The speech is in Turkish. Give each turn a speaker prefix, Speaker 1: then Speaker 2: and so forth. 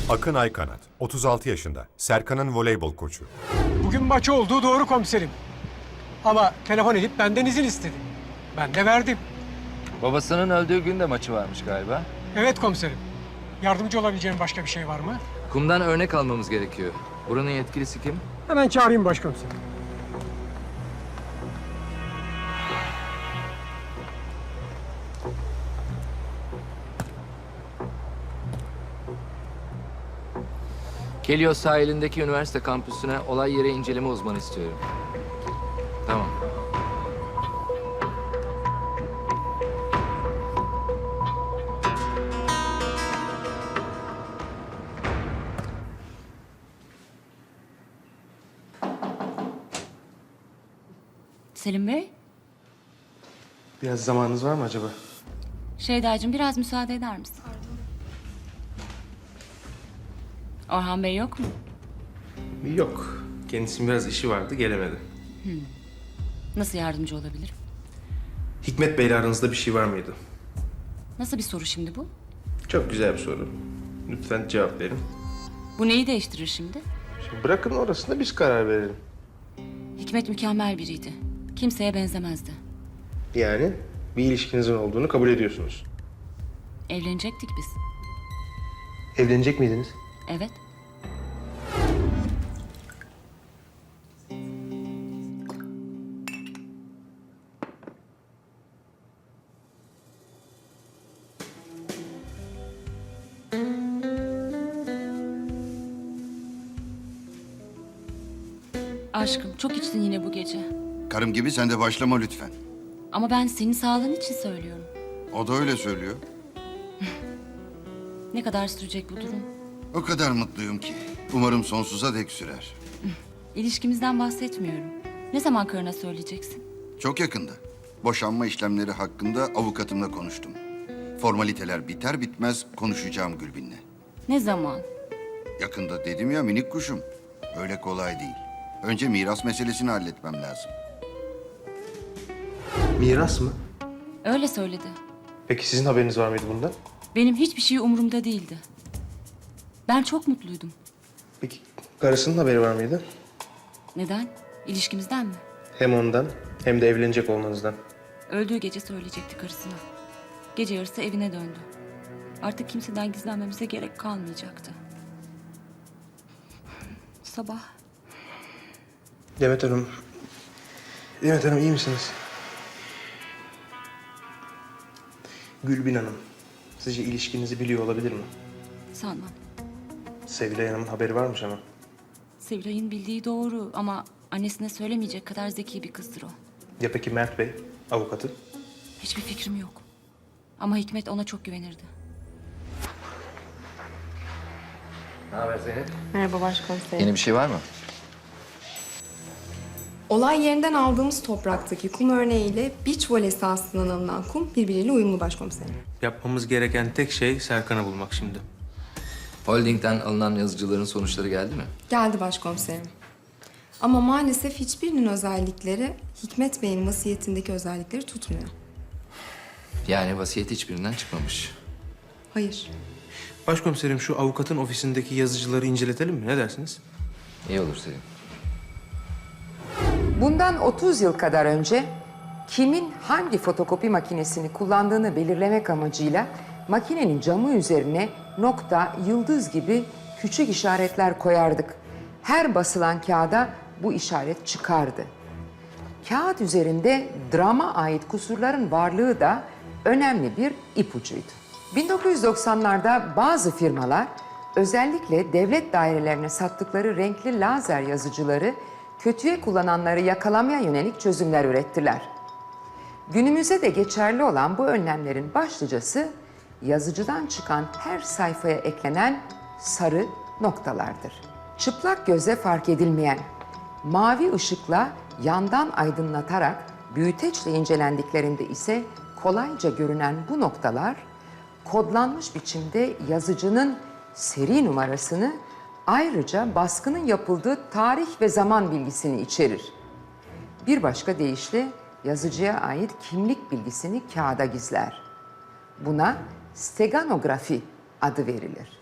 Speaker 1: Akın Aykanat, 36 yaşında, Serkan'ın voleybol koçu.
Speaker 2: Bugün maçı olduğu doğru komiserim. Ama telefon edip benden izin istedi. Ben de verdim.
Speaker 3: Babasının öldüğü gün de maçı varmış galiba.
Speaker 2: Evet komiserim. Yardımcı olabileceğim başka bir şey var mı?
Speaker 3: Kumdan örnek almamız gerekiyor. Buranın yetkilisi kim?
Speaker 2: Hemen çağırayım başkomiserim.
Speaker 3: Kelios sahilindeki üniversite kampüsüne olay yeri inceleme uzmanı istiyorum. Tamam.
Speaker 4: Selim Bey,
Speaker 5: Biraz zamanınız var mı acaba?
Speaker 4: Şeydacığım biraz müsaade eder misin? Orhan Bey yok mu?
Speaker 5: Yok. Kendisinin biraz işi vardı, gelemedi.
Speaker 4: Nasıl yardımcı olabilirim?
Speaker 5: Hikmet Bey'le aranızda bir şey var mıydı?
Speaker 4: Nasıl bir soru şimdi bu?
Speaker 5: Çok güzel bir soru. Lütfen cevap verin.
Speaker 4: Bu neyi değiştirir şimdi?
Speaker 5: Şimdi bırakın orasında biz karar verelim.
Speaker 4: Hikmet mükemmel biriydi. Kimseye benzemezdi.
Speaker 5: Yani bir ilişkinizin olduğunu kabul ediyorsunuz.
Speaker 4: Evlenecektik biz.
Speaker 5: Evlenecek miydiniz?
Speaker 4: Evet. Aşkım çok içtin yine bu gece.
Speaker 6: Karım gibi sen de başlama lütfen.
Speaker 4: Ama ben senin sağlığın için söylüyorum.
Speaker 6: O da öyle söylüyor.
Speaker 4: Ne kadar sürecek bu durum?
Speaker 6: O kadar mutluyum ki. Umarım sonsuza dek sürer.
Speaker 4: İlişkimizden bahsetmiyorum. Ne zaman karına söyleyeceksin?
Speaker 6: Çok yakında. Boşanma işlemleri hakkında avukatımla konuştum. Formaliteler biter bitmez konuşacağım Gülbin'le.
Speaker 4: Ne zaman?
Speaker 6: Yakında dedim ya minik kuşum. Öyle kolay değil. Önce miras meselesini halletmem lazım.
Speaker 5: Miras mı?
Speaker 4: Öyle söyledi.
Speaker 5: Peki sizin haberiniz var mıydı bundan?
Speaker 4: Benim hiçbir şey umurumda değildi. Ben çok mutluydum.
Speaker 5: Peki karısının haberi var mıydı?
Speaker 4: Neden? İlişkimizden mi?
Speaker 5: Hem ondan hem de evlenecek olmanızdan.
Speaker 4: Öldüğü gece söyleyecekti karısına. Gece yarısı evine döndü. Artık kimseden gizlenmemize gerek kalmayacaktı. Sabah
Speaker 5: Demet Hanım. Demet Hanım iyi misiniz? Gülbin Hanım. Sizce ilişkinizi biliyor olabilir mi?
Speaker 4: sanmam.
Speaker 5: Sevilay Hanım'ın haberi varmış ama.
Speaker 4: Sevilay'ın bildiği doğru ama annesine söylemeyecek kadar zeki bir kızdır o.
Speaker 5: Ya peki Mert Bey, avukatı?
Speaker 4: Hiçbir fikrim yok. Ama Hikmet ona çok güvenirdi.
Speaker 3: Ne haber Zeynep?
Speaker 7: Merhaba başkomiserim.
Speaker 3: Yeni bir şey var mı?
Speaker 7: Olay yerinden aldığımız topraktaki kum örneğiyle beach voley sahasından alınan kum birbiriyle uyumlu başkomiserim.
Speaker 5: Yapmamız gereken tek şey Serkan'ı bulmak şimdi.
Speaker 3: Holding'den alınan yazıcıların sonuçları geldi mi?
Speaker 7: Geldi başkomiserim. Ama maalesef hiçbirinin özellikleri Hikmet Bey'in vasiyetindeki özellikleri tutmuyor.
Speaker 3: Yani vasiyet hiçbirinden çıkmamış.
Speaker 7: Hayır.
Speaker 5: Başkomiserim şu avukatın ofisindeki yazıcıları inceletelim mi? Ne dersiniz?
Speaker 3: İyi olur Selim.
Speaker 8: Bundan 30 yıl kadar önce kimin hangi fotokopi makinesini kullandığını belirlemek amacıyla makinenin camı üzerine nokta, yıldız gibi küçük işaretler koyardık. Her basılan kağıda bu işaret çıkardı. Kağıt üzerinde drama ait kusurların varlığı da önemli bir ipucuydu. 1990'larda bazı firmalar özellikle devlet dairelerine sattıkları renkli lazer yazıcıları kötüye kullananları yakalamaya yönelik çözümler ürettiler. Günümüzde de geçerli olan bu önlemlerin başlıcası yazıcıdan çıkan her sayfaya eklenen sarı noktalardır. Çıplak göze fark edilmeyen, mavi ışıkla yandan aydınlatarak büyüteçle incelendiklerinde ise kolayca görünen bu noktalar kodlanmış biçimde yazıcının seri numarasını ayrıca baskının yapıldığı tarih ve zaman bilgisini içerir. Bir başka deyişle yazıcıya ait kimlik bilgisini kağıda gizler. Buna steganografi adı verilir.